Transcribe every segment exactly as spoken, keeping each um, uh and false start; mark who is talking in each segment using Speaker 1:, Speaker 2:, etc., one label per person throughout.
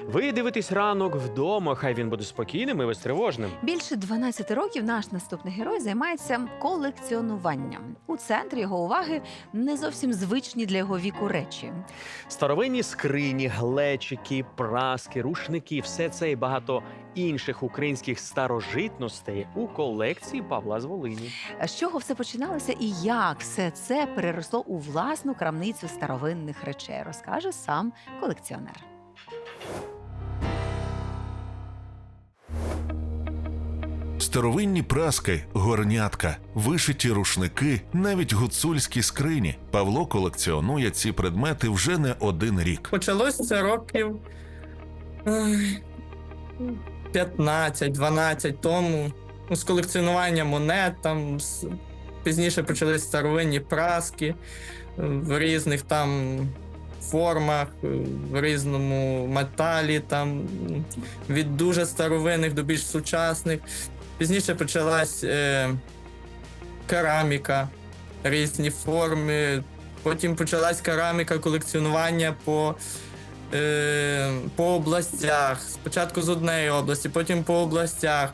Speaker 1: Ви дивитесь ранок вдома, хай він буде спокійним і безтривожним.
Speaker 2: Більше дванадцяти років наш наступний герой займається колекціонуванням. У центрі його уваги не зовсім звичні для його віку речі.
Speaker 1: Старовинні скрині, глечики, праски, рушники – все це і багато інших українських старожитностей у колекції Павла з Волині.
Speaker 2: З чого все починалося і як все це переросло у власну крамницю старовинних речей, розкаже сам колекціонер.
Speaker 3: Старовинні праски, горнятка, вишиті рушники, навіть гуцульські скрині. Павло колекціонує ці предмети вже не один рік.
Speaker 4: Почалось це років п'ятнадцять-дванадцять тому. Ну, з колекціонування монет, там з- пізніше почались старовинні праски е, в різних там формах, е, в різному металі, там м, від дуже старовинних до більш сучасних. Пізніше почалась е, кераміка, різні форми. Потім почалась кераміка колекціонування по, е, по областях. Спочатку з однієї області, потім по областях.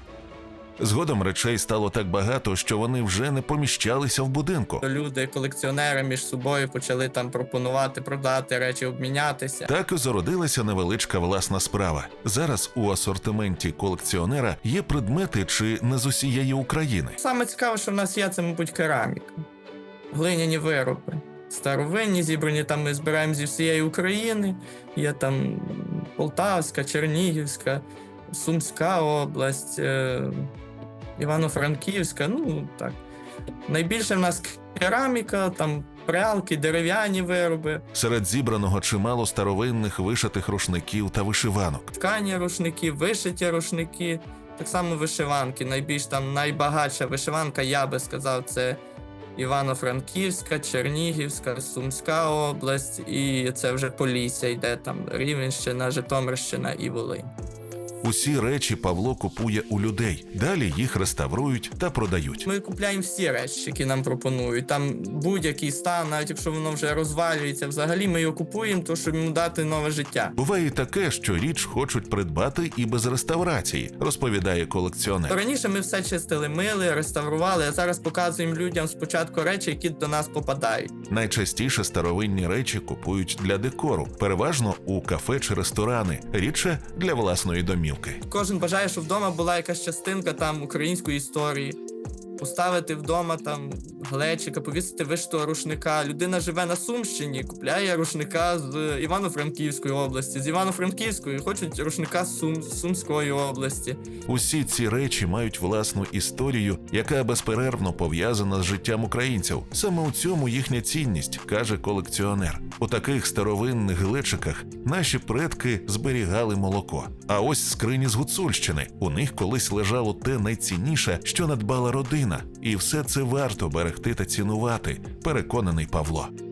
Speaker 3: Згодом речей стало так багато, що вони вже не поміщалися в будинку.
Speaker 4: Люди, колекціонери між собою почали там пропонувати, продати речі, обмінятися.
Speaker 3: Так і зародилася невеличка власна справа. Зараз у асортименті колекціонера є предмети чи не з усієї України.
Speaker 4: Саме цікаве, що в нас є, це, мабуть, кераміка. Глиняні вироби. Старовинні, зібрані там ми збираємо зі всієї України. Є там Полтавська, Чернігівська, Сумська область, е- Івано-Франківська, ну так. Найбільше в нас кераміка, там прялки, дерев'яні вироби,
Speaker 3: Серед зібраного чимало старовинних вишитих рушників та вишиванок.
Speaker 4: ткані рушники, вишиті рушники, так само вишиванки. Найбільш там найбагатша вишиванка, я би сказав, це Івано-Франківська, Чернігівська, Сумська область, і це вже Полісся йде, там Рівненщина, Житомирщина і Волинь.
Speaker 3: Усі речі Павло купує у людей. Далі їх реставрують та продають.
Speaker 4: Ми купляємо всі речі, які нам пропонують. Там будь-який стан, навіть якщо воно вже розвалюється, взагалі ми його купуємо, то щоб йому дати нове життя.
Speaker 3: Буває й таке, що річ хочуть придбати і без реставрації, розповідає колекціонер.
Speaker 4: Раніше ми все чистили, мили, реставрували, а зараз показуємо людям спочатку речі, які до нас попадають.
Speaker 3: Найчастіше старовинні речі купують для декору, переважно у кафе чи ресторани, рідше для власної домівки.
Speaker 4: Кожен бажає, щоб вдома була якась частинка там української історії. Поставити вдома там глечика, повісити вишитого рушника. Людина живе на Сумщині, купляє рушника з Івано-Франківської області, з Івано-Франківської, хочуть рушника з Сум, з Сумської області.
Speaker 3: Усі ці речі мають власну історію, яка безперервно пов'язана з життям українців. Саме у цьому їхня цінність, каже колекціонер. У таких старовинних глечиках наші предки зберігали молоко. А ось скрині з Гуцульщини. У них колись лежало те найцінніше, що надбала родина. І все це варто берегти та цінувати, переконаний Павло.